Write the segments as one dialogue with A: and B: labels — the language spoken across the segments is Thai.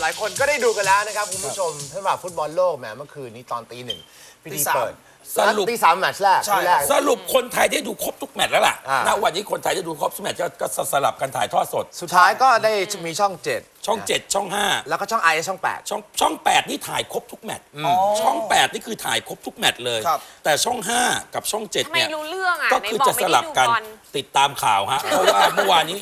A: หลายคนก็ได้ดูกันแล้วนะครับคุณผู้ชมสำหรับฟุตบอลโลกแหมเมื่อคืนนี้ตอนตี 1พิธีเปิด
B: สรุป
A: ตี 3แมตช์แรก
B: สรุปคนไทยได้ดูครบทุกแมตช์แล้วล่ะ ณ วันนี้คนไทยได้ดูครบทุกแมตช์ก็สลับกันถ่ายทอดสด
A: สุดท้ายก็ได้มีช่อง 7
B: ช่อง 7 ช่อง
A: แล้วก็ช่อง i ช่อง 8
B: ช่อง 8 นี่ถ่ายครบทุกแมตช์ช่อง 8 นี่คือถ่ายครบทุกแมตช์เลย แต่ช่อง 5 กับช่อง 7 เนี่ย
C: ไม่รู้เรื่องอ่ะ
B: ก็คือจะสลับกันติดตามข่าวฮะ เพราะว่าเมื่อวานนี้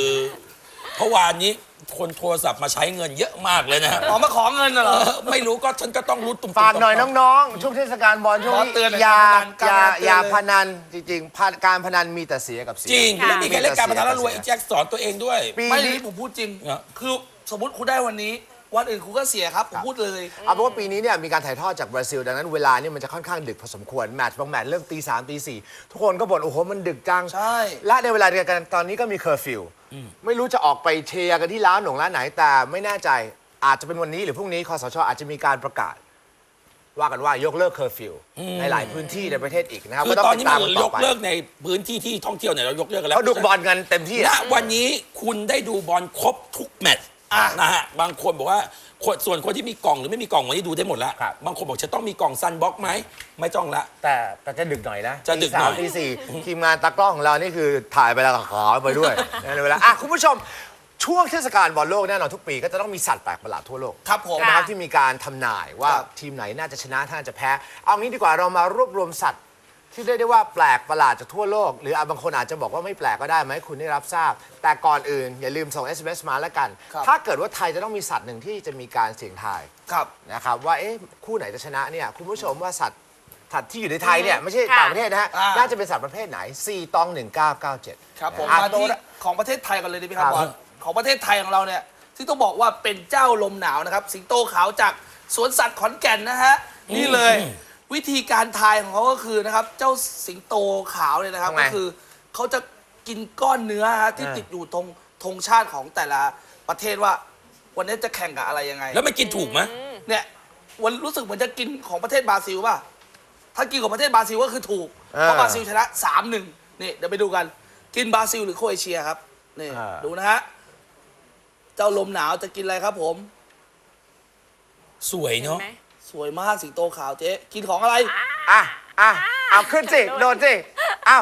B: คนโทรศัพท์มาใช้เงินเยอะมากเลยนะฮะ
D: มาขอเงินเหรอ
B: ไม่รู้ก็ฉันก็ต้องรู้ตุ่มๆ
A: ฝากหน่อยน้องๆ ช่วงเทศกาลบอลช่วงนี้อย่าพนันจริงๆการพนันมีแต่เสียกับเสีย
B: จริงไม่มีใครเล่นการพนันแล้วรวยไอ้แจ็คสอนตัวเองด้วย
D: ไม่นี้ผมพูดจริง คือสมมติคุณได้วันนี้วันอื่นคุณก็เสียครับผมพูดเลย
A: เอาเป็นว่าปีนี้เนี่ยมีการถ่ายทอดจากบราซิลดังนั้นเวลาเนี่ยมันจะค่อนข้างดึกพอสมควรแมตช์บางแมตช์เริ่มตี 3 ตี 4ทุกคนก็บ่นโอ้โหมันดึกจัง
D: ใช่
A: และในเวลาเดียวกันตอนนี้ก็มีเคอร์ฟิวไม่รู้จะออกไปเชียร์กันที่ร้านไหนแต่ไม่แน่ใจอาจจะเป็นวันนี้หรือพรุ่งนี้คสชอาจจะมีการประกาศ ว่ากันว่ายกเลิกเคอร์ฟิวในหลายพื้นที่ในประเทศอีกนะครับ
B: คือตอนนี้มันยกเลิกในพื้นที่ที่ท่องเที่ยวเนี่ยเรายกเลิกกันแล้ว
A: เขาดูบอลกันเต็มที่
B: ณวันนี้คุณได้ดูบอลครบทุกแมตช์นะฮะบางคนบอกว่าส่วนคนที่มีกล่องหรือไม่มีกล่องวันนี้ดูได้หมดแล้วบางคนบอกจะต้องมีกล่องซันบ็อกไหมไม่ต้องละ
A: แต่จะดึกหน่อยนะ
B: จะดึกหน่อย
A: ตี 4ทีมงานตากล้องของเรานี่คือถ่ายไปแล้วก็ขอไปด้วยในเวลาคุณผู้ชมช่วงเทศกาลบอลโลกแน่นอนทุกปีก็จะต้องมีสัตว์แปลกประหลาดทั่วโลก
D: ครับผม
A: นะครับที่มีการทำนายว่าทีมไหนน่าจะชนะถ้าจะแพ้เอางี้ดีกว่าเรามารวบรวมสัตว์ที่เรียกได้ว่าแปลกประหลาดจากทั่วโลกหรือบางคนอาจจะบอกว่าไม่แปลกก็ได้ไหมคุณได้รับทราบแต่ก่อนอื่นอย่าลืมส่ง SMS มาแล้วกันถ้าเกิดว่าไทยจะต้องมีสัตว์หนึ่งที่จะมีการเสี่ยงทายนะครับว่าคู่ไหนจะชนะเนี่ยคุณผู้ชมว่าสัตว์ที่อยู่ในไทยเนี่ยไม่ใช่ต่างประเทศนะฮะน่าจะเป็นสัตว์ประเภทไหน4ตอง1997
D: ครับผมมาที่ของประเทศไทยกันเลยดีไหมครับบอลของประเทศไทยของเราเนี่ยที่ต้องบอกว่าเป็นเจ้าลมหนาวนะครับสิงโตขาวจากสวนสัตว์ขอนแก่นนะฮะนี่เลยวิธีการทายของเขาก็คือนะครับเจ้าสิงโตขาวเนี่ยนะครับก็คือเขาจะกินก้อนเนื้อที่ติดอยู่ตรงธงชาติของแต่ละประเทศว่าวันนี้จะแข่งกับอะไรยังไง
B: แล้วมันกินถูกไหม
D: เนี่ยวันรู้สึกเหมือนจะกินของประเทศบราซิลป่ะถ้ากินของประเทศบราซิลก็คือถูกเพราะบราซิลชนะ 3-1นี่เดี๋ยวไปดูกันกินบราซิลหรือโครเอเชียครับนี่ดูนะฮะเจ้าลมหนาวจะกินอะไรครับผม
B: สวยเนาะ
D: สวยมากสิงโตขาวเจ๊กินของอะไร
A: เอาขึ้นสิโดนสิเอา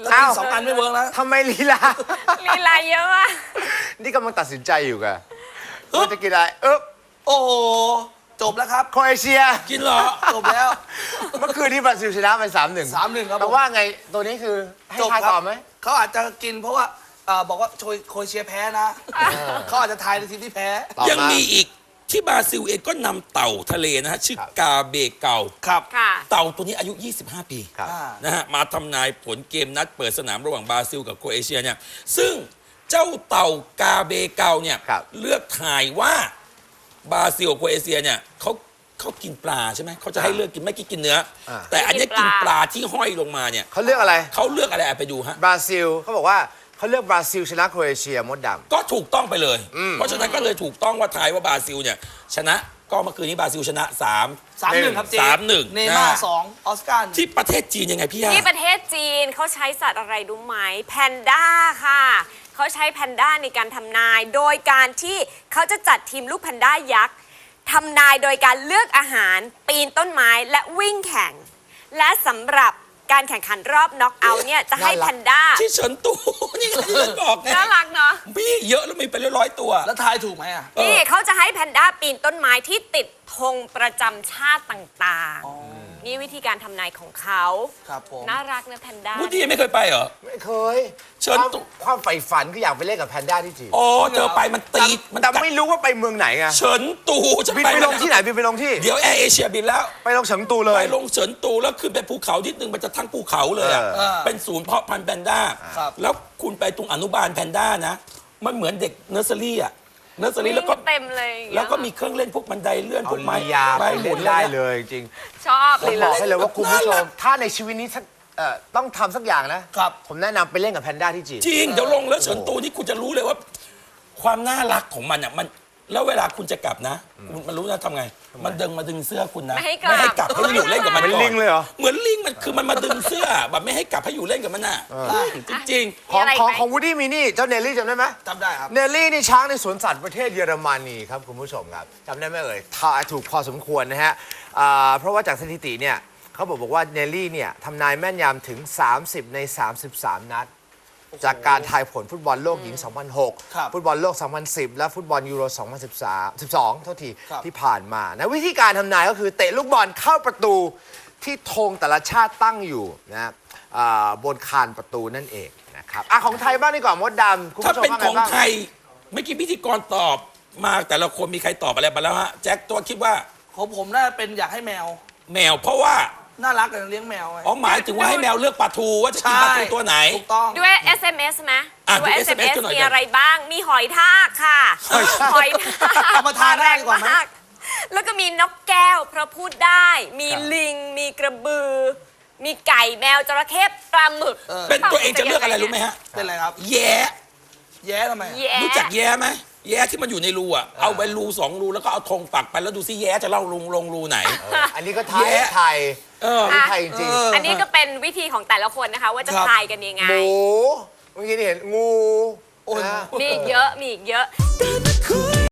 D: 2 อันไม่เวิร์กแล้ว
A: ทำไมลีลา
C: เยอะมาก
A: นี่กำลังตัดสินใจอยู่กันว่าจะกินอะไร
D: โอ้โหจบแล้วครับ
A: โครเอเชีย
B: กินเหรอ
D: จบแล้ว
A: เมื่อคืนที่บราซิลชนะไป
D: 3-1ครับ
A: แต่ว่าไงตัวนี้คือให้ทายก่อนไหม
D: เขาอาจจะกินเพราะว่าบอกว่าโครเอเชียแพ้นะเขาอาจจะทายในทีมที่แพ้
B: ยังมีอีกที่บราซิลเองก็นำเต่าทะเลนะฮะชื่อกาเบเกา
D: ครับ
B: เต่าตัวนี้อายุ25 ปีนะฮะมาทำนายผลเกมนัดเปิดสนามระหว่างบราซิลกับโครเอเชียเนี่ยซึ่งเจ้าเต่ากาเบเกาเนี่ยเลือกถ่ายว่าบราซิลกับโครเอเชียเนี่ยเขากินปลาใช่ไหมเขาจะให้เลือกกินไม่กินเนื้อแต่อันนี้กินปลาที่ห้อยลงมาเนี่ย
A: เขาเลือกอะไร
B: ไปดูฮะ
A: บราซิลเขาบอกว่าเขาเลือกบราซิลชนะโครเอเชียมดดำ
B: ก็ถูกต้องไปเลยเพราะฉะนั้นก็เลยถูกต้องว่าทายว่าบราซิลเนี่ยชนะก็เมื่อคืนนี้บราซิลชนะ
D: 3-1ครับเจ
B: 3-1
D: เนย์ม่าร์2ออสการ์
B: ที่ประเทศจีนยังไงพี่
C: ที่ประเทศจีนเขาใช้สัตว์อะไรรู้ไหมแพนด้าค่ะเขาใช้แพนด้าในการทำนายโดยการที่เขาจะจัดทีมลูกแพนด้ายักษ์ทำนายโดยการเลือกอาหารปีนต้นไม้และวิ่งแข่งและสำหรับการแข่งขันรอบน็อกเอาท์เนี่ยจะให้แพนด้า
B: ที่เฉินตูนี่ก็ที่บอกไง
C: น่ารักเนาะ
B: พี่เยอะแล้วมีเป็นร้อยตัว
D: แล้วทายถูกไหม
C: นี่เขาจะให้แพนด้าปีนต้นไม้ที่ติดธงประจำชาติต่างๆนี่วิธีการทำนายของเขา
D: ครับผม
C: น่ารักนะแพนด้า
B: วูดดี้ไม่เคยไปเหรอ
A: ไม่เคย
B: เฉินตู
A: ความใฝ่ฝันก็อยากไปเล่นกับแพนด้าที่จีน
B: โอ้เธอไปมันตี
A: แต่ไม่รู้ว่าไปเมืองไหนไง
B: เฉินตูจะ
A: บินไปลงที่ไหนบินไปลงที่
B: เดี๋ยวแอร์เอเชียบินแล้ว
A: ไปลงเฉิงตูเลย
B: ไปลงเฉินตูแล้วขึ้นไปภูเขานิดนึงมันจะทั้งภูเขาเลยเป็นศูนย์เพาะพันธุ์แพนด้าแล้วคุณไปตรงอนุบาลแพนด้านะมันเหมือนเด็กเนอร์เซอรี่แล้วก็
C: เต็มเลย
B: แล้วก็มีเครื่องเล่นพวกบันไดเลื่อนพวกไม้
A: ไปหมุนได้เลยจริง
C: ชอบ
A: เลยบอกให้เลยว่าคุณผู้ชมถ้าในชีวิตนี้ต้องทำสักอย่างนะครับผมแนะนำไปเล่นกับแพนด้าที่จีน
B: จริงเดี๋ยวลงแล้วเฉินตูนี่คุณจะรู้เลยว่าความน่ารักของมันอ่ะมันแล้วเวลาคุณจะกลับนะมันรู้นะทำไงมันดึงเสื้อคุณนะ
C: ไม่ให้กลับ
B: กลับให้อยู่เล่นกับมัน
A: เป็น
B: ก่อน
A: ลิงเลยเหรอ
B: เหมือนลิงมันคือมันมาดึงเสื้อแบบไม่ให้กลับให้อยู่เล่นกับมันน่ะจริง
A: ของ
C: มีอะไร
A: ของ
C: ไหม
A: ของวูดดี้มีนี่เจ้าเนลลี่จำได้ไหม
D: จำได้ครับ
A: เนลลี่นี่ช้างในสวนสัตว์ประเทศเยอรมนีครับคุณผู้ชมครับจำได้ไหมเอ่ยทายถูกพอสมควรนะฮะเพราะว่าจากสถิติเนี่ยเขาบอกว่าเนลลี่เนี่ยทำนายแม่นยำถึง 30 ใน 33 นัด จากการทายผลฟุตบอลโลกหญิง
D: ครับ
A: 2006 ฟุตบอลโลก 2010 และฟุตบอลยูโร 12 เท่าที
D: ครับ
A: ที่ผ่านมานะวิธีการทำนายก็คือเตะลูกบอลเข้าประตูที่ธงแต่ละชาติตั้งอยู่นะบนคานประตูนั่นเองนะครับของไทยบ้างดีกว่ามดดำคุณ
B: ๆ ถ้า
A: ผู้ชม
B: เป็น
A: ว่า
B: ข
A: ไง
B: อง
A: บ้าง
B: ไทยเมื่อกี้พิธีกรตอบมาแต่ละคนมีใครตอบอะไรมาแล้วฮะแจ็คตัวคิดว่า
D: ของผมน่าจะเป็นอยากให้แมว
B: แมวเพราะว่า
D: น่ารักกันเลี้ยงแมวไง
B: อ๋อหมายถึงว่าให้แมวเลือกปลาทูว่าจะกินปลาทูตัวไหน
D: ถูกต้อง
C: ด้วย SMS ไหม
B: อ่ะ
C: ด้วย
B: ดู SMS
C: SMS
B: กันหน่อย
C: มีอะไรบ้าง มีหอยทากค่ะ หอยทาก
D: เอามาทานได้ดีกว่าไหม
C: แล้วก็มีนกแก้วเพราะพูดได้ มีลิง มีกระบือ มีไก่แมวจระเข้ปลาหมึก
B: เป็นตัวเองจะเลือกอะไรรู้ไหมฮะ
D: เป็นอะไรครับ
B: แย้
D: แย้ทำไม
C: แย่
B: รู้จักแย้ไหมแย้ที่มันอยู่ในรูอ่ะเอาไปรู2 รูแล้วก็เอาธงปักไปแล้วดูซิแย้จะเล่าลงรูไหน
A: อันนี้ก็ไท
B: แย่
A: ยไทย
B: เออ
A: อันนี้ไทยจริง
C: อันนี้ก็เป็นวิธีของแต่ละคนนะคะ ว่าจะ
D: ครับ
C: ทายกันยังไง
A: หมูเมื่อกี้นี่เห็นงู
D: โอ้ย
A: นะ
C: มีอีกเยอะ มีอีกเยอะ